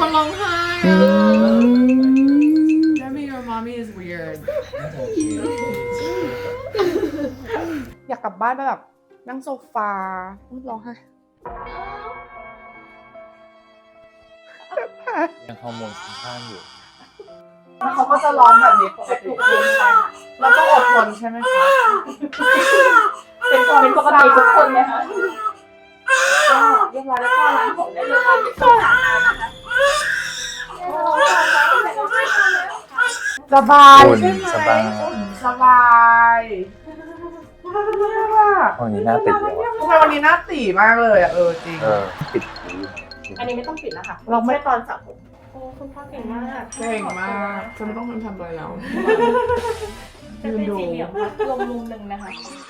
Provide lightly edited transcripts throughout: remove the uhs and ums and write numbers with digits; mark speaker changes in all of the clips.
Speaker 1: คนร้องไห้Demi your mommy is weird อยากกลับบ้านไปแบบนั่งโซฟาร้องไห้
Speaker 2: ยังฮอร์โมนคุ้มค่าอยู่
Speaker 1: แล้วเขาก็จะร้องแบบนี้ปกติแล้วต้องอดทนใช่ไหมคะเป็นปกติทุกคนไหมคะเรียบร้อยแล้วก็ล้างผมได้เลยไม่ต้องอาบน้ำนะคะสบายใช่ไหมสบาย
Speaker 2: วันนี้หน้าติดเลย
Speaker 1: ทำไมวันนี้หน้าตีมากเลยอ่ะจริง
Speaker 2: ปิด
Speaker 3: อันนี้ไม่ต้องปิดแล้วค่ะ
Speaker 1: เราไม่
Speaker 3: ตอนสระผมโอ้คุณพ่อเก่งมาก
Speaker 1: เก่งมากฉันไม่ต้องทำอะไรแล้ว
Speaker 3: จะเป็นสีเหลี่ยมค่ะรวมมุมหนึ่งนะคะ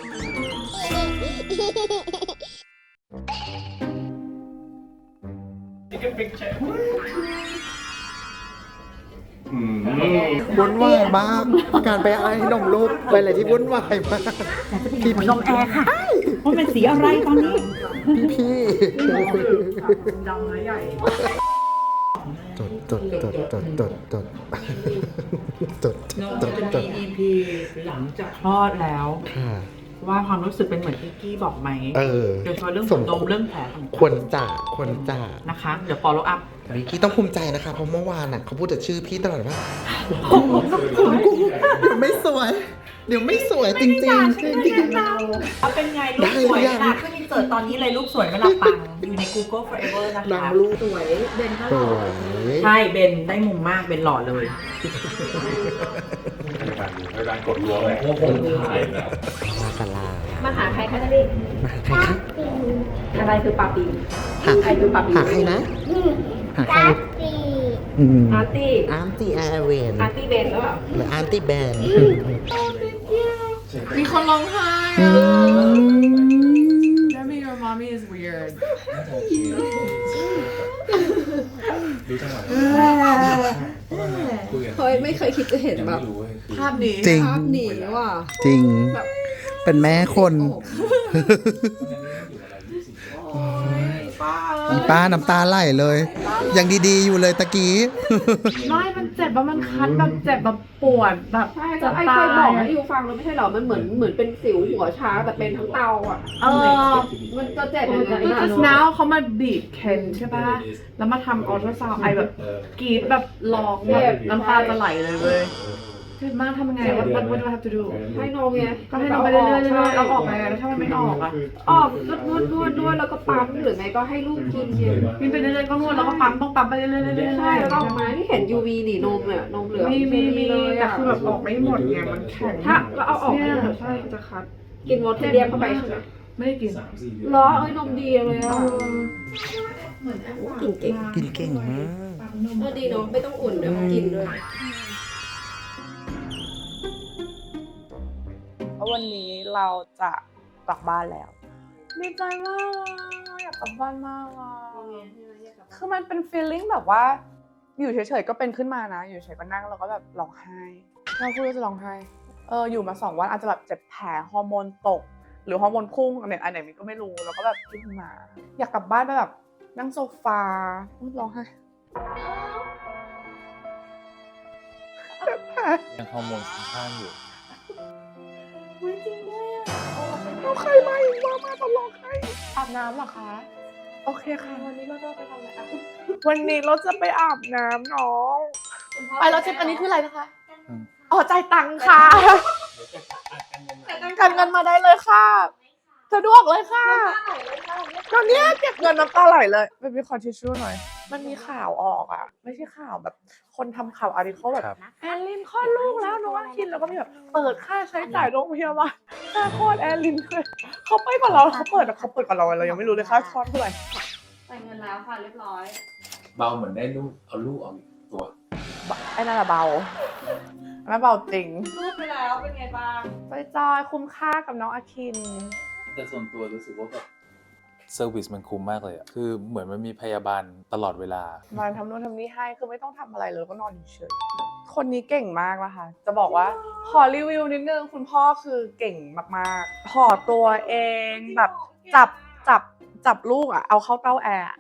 Speaker 4: วุ่นวายมากการไปไอ้นมลูกไปอะไรที่วุ่นวายมากพี่นมแอร์ค่ะว่าเป็นสีอะไรตอนนี้พี่
Speaker 1: ดำและใหญ่
Speaker 4: จด
Speaker 1: เราจะมี EP หลังจากคลอดแล้วว่าความรู้สึกเป็นเหมือนที่กี้บอกไหมโดยเฉพาะเรื่องผมดมเรื่องแผลต่างๆ
Speaker 4: ควรจะ
Speaker 1: นะคะเดี๋ยว follow up
Speaker 4: วิกกี้ต้องภูมิใจนะคะเพราะเมื่อวานน่ะเขาพูดแต่ชื่อพี่ตลอดว่าเดี๋ยวไม่สวยจริง
Speaker 3: เอาเป็นไงลูกสวยค่ะขึ้นอินเสิร์ตตอนนี้เลยลูกสวยไม่หลับปังอยู่ใน Google Forever นะคะ
Speaker 4: ดังลูก
Speaker 3: สวยเบนก็หล่อใช่เบนได้มุมมากเบนหล่อเลย
Speaker 2: ในการกดรัวเลยพวกผมถ่ายแล้ว
Speaker 3: มาหาใครคะนี่
Speaker 4: มาหาใครคะ
Speaker 3: อะไรคือปาปีใครคือปาปี
Speaker 4: หาใครนะหาใคร
Speaker 3: อาร์ตี้
Speaker 4: แอร์เวน
Speaker 3: อาร์ตี้เบนหรือเปล่า
Speaker 4: หรืออาร์ตี้แบน
Speaker 1: มีคนร้องไห้ Demi your mommy is weird
Speaker 2: ดูจังหวะ
Speaker 5: เคยไม่เคยคิดจะเห็นแบบ
Speaker 1: ภาพนี้
Speaker 4: จริง
Speaker 5: ว่ะ
Speaker 4: จริงเป็นแม่คนอีป้าน้ำตาไหลเลยยังดีๆอยู่เลยตะกี้
Speaker 1: ไม่มันเจ็บว่ามันคันแบบเจ็บแบบปวดแบบ
Speaker 5: จะไอ้เคยบอกให้ยูฟังแล้วไม่ใช่หรอมันเหมือนเป็นสิวหัวช้างแต่เป็นทั้งเตาอ่ะมันจะเจ็บอย่างนั้น
Speaker 1: ก็ just now เขามาบีบเคนใช่ป่ะแล้วมาทำอัลตราซาวด์ไอแบบกรีดแบบร้องแบบน้ำตาจะไหลเลยเว้ยเจ็บมากทำยังไง what do I have to do
Speaker 5: ให้นมไง
Speaker 1: ก็ให้นมไปเรื่อยๆเราออกไงแล้วถ้ามันไม่ออกอ่ะ
Speaker 5: ออกนวดแล้วก็ปั๊มหรือไงก็ให้ลูกกิน
Speaker 1: กินไปเรื่อยๆก็นวดแล้วก็ปั๊มต้องปั๊มไปเรื่อยๆ
Speaker 5: ใช่แล้วออกมาที่เห็น UV นี่นมเนี่ยนมเหลือ
Speaker 1: มีเลยแต่คือแบบออกไม่หมดไงมันแข็ง
Speaker 5: ถ้าก็เอาออก
Speaker 1: เนี่ยใช่จะคัด
Speaker 5: กินวอเทเรียมเข้าไปใช่ไหม
Speaker 1: ไม่ได้กิน
Speaker 5: ล้อนมดีเลยอ่ะกิน
Speaker 4: เก่งมาก
Speaker 5: ดีเนาะไม่ต้องอุ่นเดี๋ยวกินด้วย
Speaker 1: วันนี้เราจะกลับบ้านแล้วดีใจมากอยากกลับบ้านมากคือมันเป็น feeling แบบว่าอยู่เฉยๆก็เป็นขึ้นมานะอยู่เฉยๆก็นั่งแล้วก็แบบร้องไห้เราพูดว่าจะร้องไห้อยู่มา2 วันอาจจะแบบเจ็บแผลฮอร์โมนตกหรือฮอร์โมนพุ่งอันไหนมันก็ไม่รู้แล้วก็แบบขึ้นมาอยากกลับบ้านไปแบบนั่งโซฟาร้องไห้
Speaker 2: ยังฮอร์โมนคุ้มค่าอยู่
Speaker 1: จริงด้วยเราใครมาอีกมาตลอดใครอาบน้ำหรอคะโอเคค่ะวันนี้เราจะไปทำอะไรวันนี้เราจะไปอาบน้ำน้องไปแล้วเช็คอันนี้คืออะไรนะคะจ่ายตังค่ะกันเงินมาได้เลยค่ะสะดวกเลยค่ะตอนนี้เก็บเงินน้ำตาไหลเลยไปมีคอนทิชชู่หน่อยมันมีข่าวออกอ่ะไม่ใช่ข่าวแบบคนทำข่าวอาร์ติเคิลแบบแอลลินคลอดลูกแล้วน้องคินแล้วก็มีแบบเปิดค่าใช้จ่ายโรงพยาบาลค่าคลอดแอลลินด้วยเขาไปก่อนเราเขาเปิดก่อนเรายังไม่รู้เลยค่าคลอดเท่าไหร่
Speaker 5: จ่ายเงินแล้วค่ะเรียบร้อย
Speaker 2: เบาเหมือนได้ลูกเอาลูกออกตัว
Speaker 1: ไอ้นั่นเบาอันนั้นเบาจริง
Speaker 5: ลูกไปแล้วเป็นไงบ้าง
Speaker 1: จอยคุ้มค่ากับน้องอาคิน
Speaker 2: แต่ส่วนตัวรู้สึกว่าแบบเซอร์วิสมันคุ้มมากเลยอะคือเหมือนมันมีพยาบาลตลอดเวลา
Speaker 1: มาทำนู่นทำนี่ให้คือไม่ต้องทำอะไรเลยก็นอนเฉยๆคนนี้เก่งมากนะคะจะบอกว่าขอรีวิวนิดนึงคุณพ่อคือเก่งมากๆห่อตัวเองแบบจับลูกอะเอาเข้าเต้าแอร์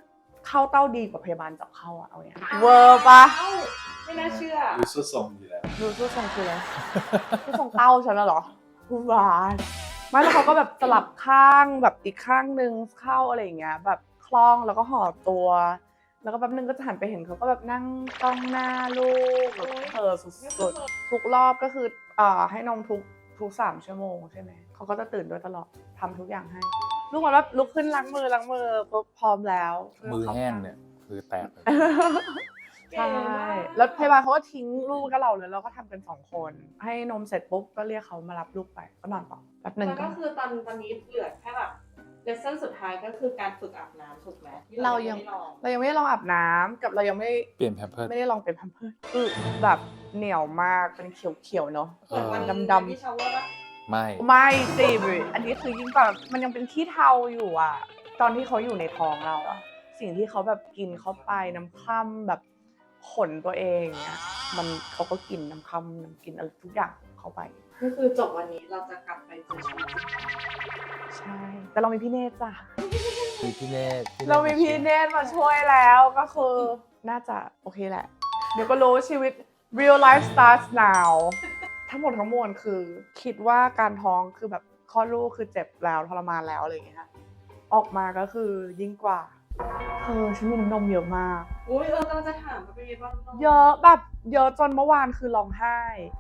Speaker 1: เข้าเต้าดีกว่าพยาบาลจับเข้าอะเอาอย่างเงี้ยเวอร์ปะ
Speaker 5: ไม่น่าเชื่อ
Speaker 2: ดูสุดทรงอยู่แล้ว
Speaker 1: ดูสู้ทรงคืออะไรสู้ทรงเต้าฉันน่ะเหรอผู้บานไม่แล้วเขาก็แบบสลับข้างแบบอีกข้างนึงเข้าอะไรอย่างเงี้ยแบบคล่องแล้วก็ห่อตัว แล้วก็แป๊บนึงก็จะหันไปเห็นเขาก็แบบนั่งจ้องหน้าลูกแบบสุดๆทุกรอบก็คือให้นมทุก3 ชั่วโมงใช่ไหมเขาก็จะตื่นด้วยตลอดทำทุกอย่างให้ลูกบอกว่าลุกขึ้นล้างมือปุ๊บพร้อมแล้ว
Speaker 2: มือแห้งเนี่ยคือแตกเลย
Speaker 1: ใช่แล้วพยาบาลเขาก็ทิ้งลูกกับเราเลยเราก็ทำกัน2 คนให้นมเสร็จปุ๊บก็เรียกเขามารับลูกไปก็นอนต่อแป๊บนึง
Speaker 5: แล้วก็คือตอนนี้เหลือแค่แบบเลสเซ่นสุดท้ายก็คือการฝึกอาบน้ำถูกไหมที่
Speaker 1: เรายังไม่ได้ลองอาบน้ำกับเรายังไม่
Speaker 2: เปลี่ยนแพมเพิร์ส
Speaker 1: ไม่ได้ลองเป็นแพมเพิร์สคือแบบเหนียวมากเป็นเขียวๆเนาะ
Speaker 5: เหมือนวัน
Speaker 1: ดำๆ
Speaker 5: ที่ชาวเวอร์ปะ
Speaker 2: ไม่
Speaker 1: ไม่สิอันนี้คือยิ่งกว่ามันยังเป็นขี้เทาอยู่อ่ะตอนที่เขาอยู่ในท้องเราอ่ะสิ่งที่เขาแบบกินเข้าไปน้ำค่ำแบบขนตัวเองเนี่ยมันเขาก็กินน้ำค่ำน้ำกินอะไรทุกอย่างเข้าไป
Speaker 5: ก็คือจบวันนี้เราจะกลับไปเจอชีวิต
Speaker 1: ใช่แต่เรามีพี่เนตจ้ะ
Speaker 2: มีพี่เนต
Speaker 1: เรามีพี่เนตมาช่วยแล้วก็คือน่าจะโอเคแหละ เดี๋ยวก็รู้ชีวิต real life starts now ทั้งหมดทั้งมวลคือคิดว่าการท้องคือแบบคลอดลูกคือเจ็บแล้วทรมานแล้วอะไรอย่างเงี้ยออกมาก็คือยิ่งกว่าฉันมีน้ำนมเยอะมาก
Speaker 5: อุ้ยเราจะถามว่าเป็นยังไงบ้าง
Speaker 1: เยอะแบบเยอะจนเมื่อวานคือร้องไห้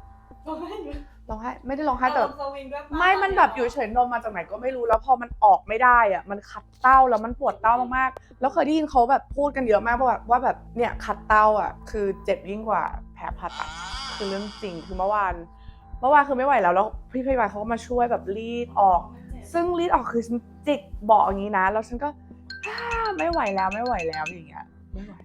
Speaker 1: ไม่ได้ร้องไห้แต่แบบ
Speaker 5: สวิงด้วยปะ
Speaker 1: ไม่มันแบบอยู่เฉยนมมาจากไหนก็ไม่รู้แล้วพอมันออกไม่ได้อะมันขัดเต้าแล้วมันปวดเต้ามากๆแล้วเคยได้ยินเขาแบบพูดกันเยอะมากว่าแบบเนี่ยขัดเต้าอ่ะคือเจ็บยิ่งกว่าแผลผ่าตัดคือเรื่องจริงคือเมื่อวานคือไม่ไหวแล้วพี่พยาบาลเขาก็มาช่วยแบบรีดออก ซึ่งรีดออกคือฉันจิกเบาะอย่างนี้นะแล้วฉันก็ไม่ไหวแล้วอย่างเงี้ยไม่ไหว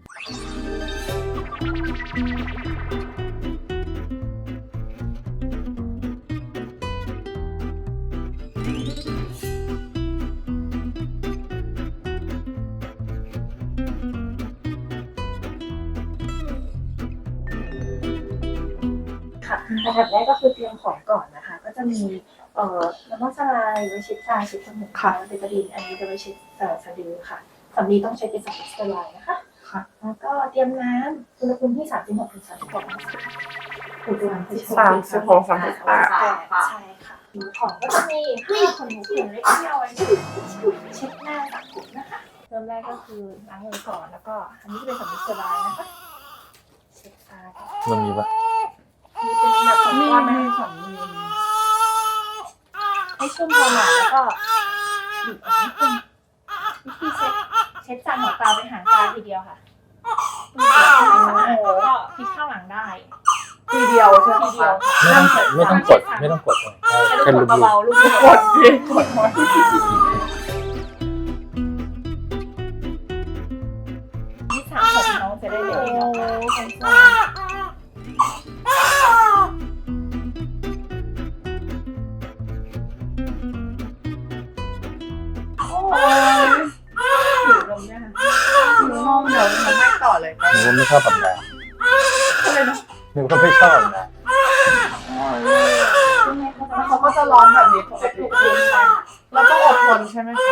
Speaker 6: ค่ะอันดับแรกก็คือเตรียมของก่อนนะคะ ก็จะมีน้ำมันสลายไว้เช็ดตาเช็ดจมูกค่ะเบตาดีนอันนี้จะไว้เช็ดสะดือค่ะสำลีต้องใช้เป็นสเตอร์ไลน์นะคะค่ะแล้วก็เตรียมน้ำอุณหภูมิที่36 ถึง 36 องศาอุณหภูมิที่
Speaker 1: 36 38
Speaker 6: ใช่ค่ะของก็จะมีผ้าขนหนูเปลี่ยนเล็กที่เอาไว้เช็ดหน้าสระผมนะคะเริ่มแรกก็คือล้างมือก่อนแล้วก็อันนี้จะเป็นสำลีสเตอร์ไลน์นะคะเช็ดตาก่อน
Speaker 2: มันมีปะ
Speaker 6: มีเป็นแบบของก้อนนะคะ ให้ชุ่มพอหน่อยแล้วก็บีบออกนิดนึงวิธีเช็ดจากหัวตาไปหางตาทีเดียวค่ะมือเดียวให้สะอาดแล้วก็พลิกข้างหลังได้
Speaker 1: ทีเดียวใช่ไหม
Speaker 6: ทีเดียวค่ะ
Speaker 2: ไม่ต้องกดเลย
Speaker 6: แค่
Speaker 2: แค่
Speaker 6: ลู
Speaker 2: ลู
Speaker 6: ก
Speaker 2: บ
Speaker 6: เบาๆลูก
Speaker 1: กดดิกดหมด
Speaker 6: ที่สามผมน้องจะได้เร็วนิดนึงค่ะ
Speaker 1: โอ้ย
Speaker 6: ผิวลงเนี่ยค่ะ
Speaker 1: หนูงงเดี๋ยวหนูไม่ต่อเลย
Speaker 2: นึกว่าไม่ชอบแบบนั้น
Speaker 1: อะไรนะ
Speaker 2: นึกว่าไม่ชอบแบบนั้น
Speaker 1: แล้วเขาก็จะร้องแบบนี้ปกติเราต้องอดทนใช่ไหมคะ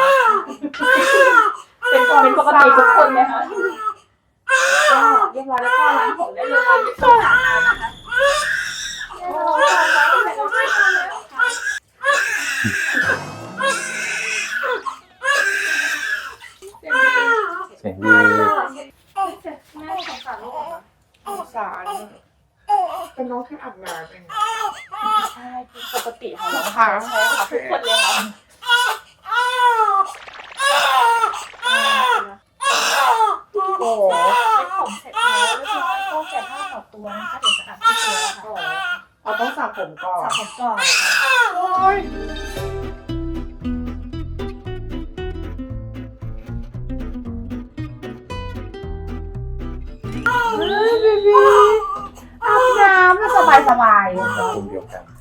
Speaker 6: เป็นปกติทุกคนไหมคะก็เรียบร้อยแล้วก็ล้างผมได้เลยไม่ต้องอาบน้ำนะคะ
Speaker 2: เสียงดี
Speaker 6: แม่สงสารลูกเหรอ
Speaker 1: สงสารเป็นน้องแค่อาบน้ำเอง
Speaker 6: ใช่คือปกติของเรา
Speaker 1: ค่ะ
Speaker 6: ใช่ค่ะทุกคนเลยค่ะ
Speaker 1: โอ้โห
Speaker 6: เป็นผมเสร็จแล้วเรียบร้อยก็แกะผ้าต่อตัวนะคะเดี๋ยวจะอาบที่ตัวค่ะ
Speaker 1: เราต้องสระผมก่อน
Speaker 6: สระผมก่อน
Speaker 1: โอ้ยเฮ้ยเบบีอาบน้ำมันสบายสบาย
Speaker 2: กลุ่มเดียวกัน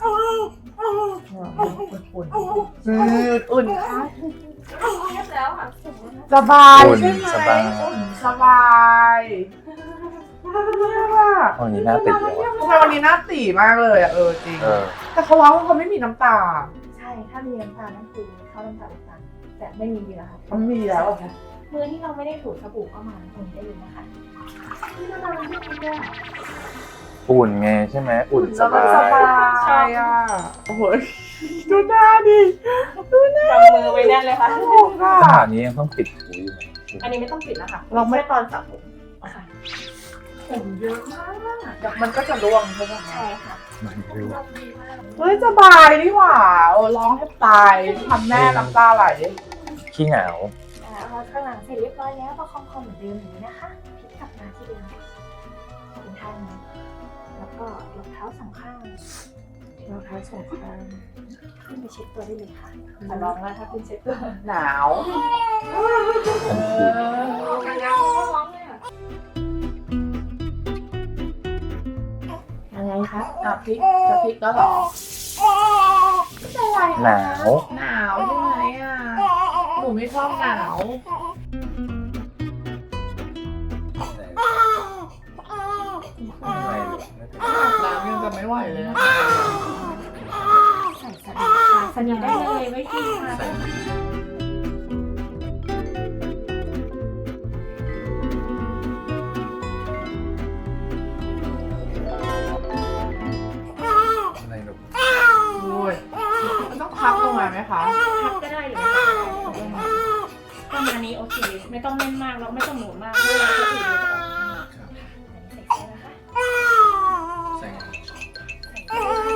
Speaker 1: อุ่นค่ะ
Speaker 6: เรียบแล้วค่ะ
Speaker 1: สบาย
Speaker 2: อุ่น
Speaker 1: ใช่ไหม
Speaker 2: สบาย
Speaker 1: สบายเนี่ยว่ะ
Speaker 2: วันนี้หน้าติดเลยว่ะ
Speaker 1: ทำไมวันนี้หน้าตีมากเลยอ่ะจริง
Speaker 2: เออ
Speaker 1: แต่เขาร้องว่าเขาไม่มีน้ำตา
Speaker 6: ใช่ถ้ามีน้ำตาลนั่นคือเข้าน้ำตาลแต่ไม่มีแล้วค่ะ
Speaker 1: มันมีแล้วอะค่ะ
Speaker 6: มือที่เราไม่ได้ถูสบู่ก็มาตรงนี้ได้เลยนะคะนี่น่ารักมากเลยอะ
Speaker 2: อุ่นไงใช่ไหมอุ่นสบาย
Speaker 1: สบายอ่ะโอ้โหดูหน้าดิดูหน้า
Speaker 3: จับมือไว้แน่นเลยค่ะ
Speaker 1: ถูกอ่ะ
Speaker 2: ขนาดนี้ยังต้องปิดหูอยู่ไหม
Speaker 3: อันนี้ไม่ต้องปิดนะคะ
Speaker 1: เราไม่
Speaker 3: แค่ตอนสระผม
Speaker 6: ค่ะ
Speaker 1: ผมเยอะมากเดี๋ยวมันก็จะร่วงใช่ไหม
Speaker 6: ใช่ค่ะ
Speaker 2: มันเร็ว
Speaker 6: ดีมาก
Speaker 1: เฮ้ยสบายนี่หว่าโอ้ร้องแทบตายทำแม่น้ำตาไหล
Speaker 2: ขี้เหงา
Speaker 6: เอาข้างหลังเสร็จเรียบร้อยแล้วประคองคอเหมือนเดิมอย่างนี้นะคะพลิกกลับมาที่เดิมเป็นท่านี้แล้วก็ยกเท้าสองข้าง
Speaker 1: เราท้ายสงคราม
Speaker 6: ขึ้นไปเช็ดตัวได้เลยค่ะขอลองแล้วถ้าคุณเช็ดตัว
Speaker 1: หนาว
Speaker 2: ทันที
Speaker 1: อะไรครับอ่ะพริกจะพริกก็หรอ
Speaker 2: หนาว
Speaker 1: หนาวใช่ไหมอ่ะหนูไม่ชอบหนาว
Speaker 2: ไม่เลย
Speaker 1: น้ำยังจะไม่ไหวเลยอะ
Speaker 6: ใส่สนิทค่ะสนิทได้เลยไม่ทิ้งค่ะ
Speaker 2: ใส่ อะไรหนู
Speaker 1: โอ้ยมันต้องพักลงมาไหมคะ
Speaker 6: พับก็ได้เลยค่ะประมาณนี้โอเคไม่ต้องเล่นมากแล้วไม่ต้องหมุนมากเวลาจะถือจะออกใส่เสื้อนะคะ
Speaker 2: ใส่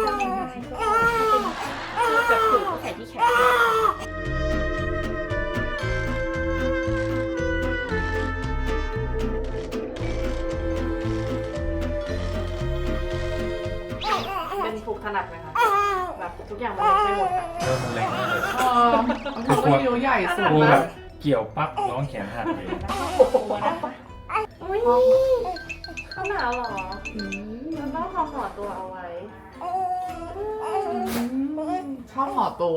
Speaker 6: จับถือใส่ที่แขน
Speaker 3: เป็นผูกถนัดไหมคะแบบทุกอย่างมันเล็กไปหมดอะ
Speaker 2: เริ่มมันเล็กมากเลย
Speaker 1: มันก็นิ้วใหญ่สุด
Speaker 2: กูแบ
Speaker 1: นะ
Speaker 2: บเกี่ยวปั๊บร้องแขนหักเลย
Speaker 6: ตัวนะคะ
Speaker 3: อุ้ยเขาหนาวเหรอมันต้องทำห่อตัวเอาไว้
Speaker 1: ชอบห่อตัว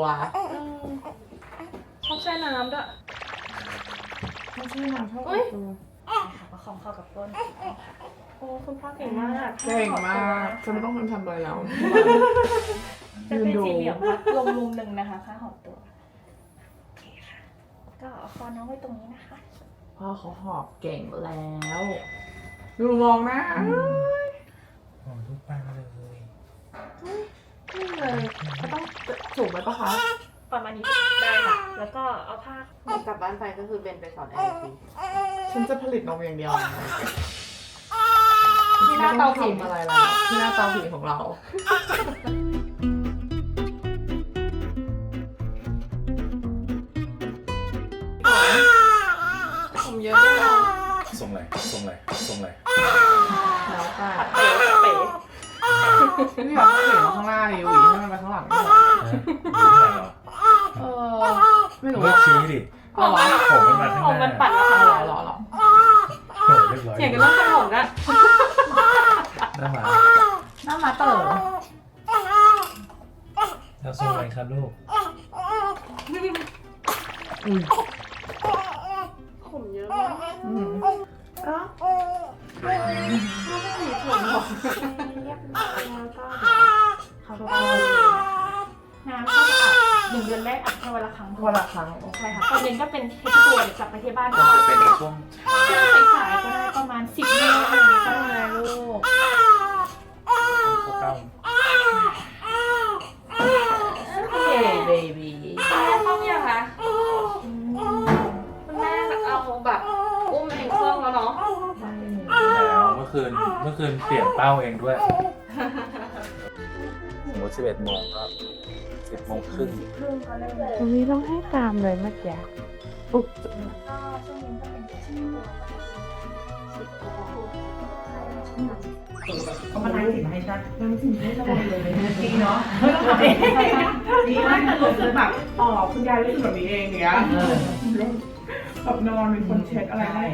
Speaker 3: ชอบแช่น้ำด้วย
Speaker 1: ไม่ใช่นะชอบห่อตัว
Speaker 6: ประคองเข้ากับก้น
Speaker 3: โอ้คุณพ่อเก่งมาก
Speaker 1: เก่งมากฉันไม่ต้องทำอะไรแล้ว
Speaker 6: จะเป็นสี่เหลี่ยมพับลงมุมหนึ่งนะคะค่าหอบตัวโอเคค่ะก็เอาคอน้องไว้ตรงนี้นะคะ
Speaker 1: พ่อเขาหอบเก่งแล้ว ดูมองหน้า
Speaker 2: โอ้ลูกปังเลย
Speaker 1: นี่เลยเขาต้องจูบไหมปะคะ
Speaker 6: ประมาณนี้ได้ค่ะ แล้วก็เอาผ้าก
Speaker 3: ลับบ้านไปก็คือเบนไปสอนแอร์ซี
Speaker 1: ฉันจะผลิตนมอย่างเดียว
Speaker 3: ที่หน้าเตาผิง
Speaker 1: อะไรแล้วที่หน้าเตาผิงของเรา
Speaker 3: ผมเยอะด้วยนะ
Speaker 2: ส่งไหลส่งไหลส่งไหล
Speaker 1: แล้วแต่
Speaker 3: เป๋เป๋
Speaker 1: ไม่อยากให้เห็นข้างหน้าดิหวีให้มันไปข้างหลังด้วย เออไม่รู้
Speaker 2: เลิกชี้ดิ
Speaker 1: อ๋อ
Speaker 2: ผมมันมาข้าง
Speaker 3: ผม
Speaker 2: ห
Speaker 3: มั
Speaker 2: น้าน
Speaker 3: ปัดมา
Speaker 1: เห
Speaker 3: ทาง
Speaker 1: ร
Speaker 3: ห
Speaker 1: อ
Speaker 3: ลัง
Speaker 1: เหรอ
Speaker 2: โอ้เรียบร้อย
Speaker 3: เถียงกันเรื่องขนมนะ
Speaker 2: หน้าหมา
Speaker 1: หน้ามาเต๋อ
Speaker 2: แล้วส่งไหลครับลูก
Speaker 3: ผมเยอะมาก
Speaker 1: อืม
Speaker 3: มีผมหรอ
Speaker 6: เรียบร้อยแล้วก็เขาก็น้ำก็จะอาบ1 เดือนแรกอาบแค่วันละครั้ง
Speaker 1: วันละครั้ง
Speaker 6: ใช่ค่ะตอนเย็นก็เป็นเทสตัวเดี๋ยวกลับไปที่บ้านก็
Speaker 2: จะเป็นในช่วง
Speaker 6: ช่วงสายๆก็ได้ประมาณ10 โมงอะไรอย่างเงี้ยก็ได้
Speaker 1: ลูก
Speaker 2: เก้า
Speaker 1: เย้เบบี้
Speaker 3: แม่ชอบยังคะคุณแม่เอาแบบอุ้มเองเครื่องแล้วเนาะ
Speaker 2: แล้วเมื่อคืนเปลี่ยนเป้าเองด้วยสมมติ11 โมงก็10 โมงครึ่ง
Speaker 1: ตรงนี้ต้องให้ตามเลยเมื่อกี้ปุ๊บ
Speaker 6: ก็ช่วงเย็นก็เป็นเทสตัว
Speaker 3: เอามาล้างสินให้จ้ะล้างสินให้ระวังเลยจริงเนาะไม่ต้องทำเองดีมากแต่รู้สึกแบบ
Speaker 1: อ๋อคุณยายรู้สึกแบบนี้เองอย่างเงี้ยแบบนอนเป็นคนเช็ดอะไรให้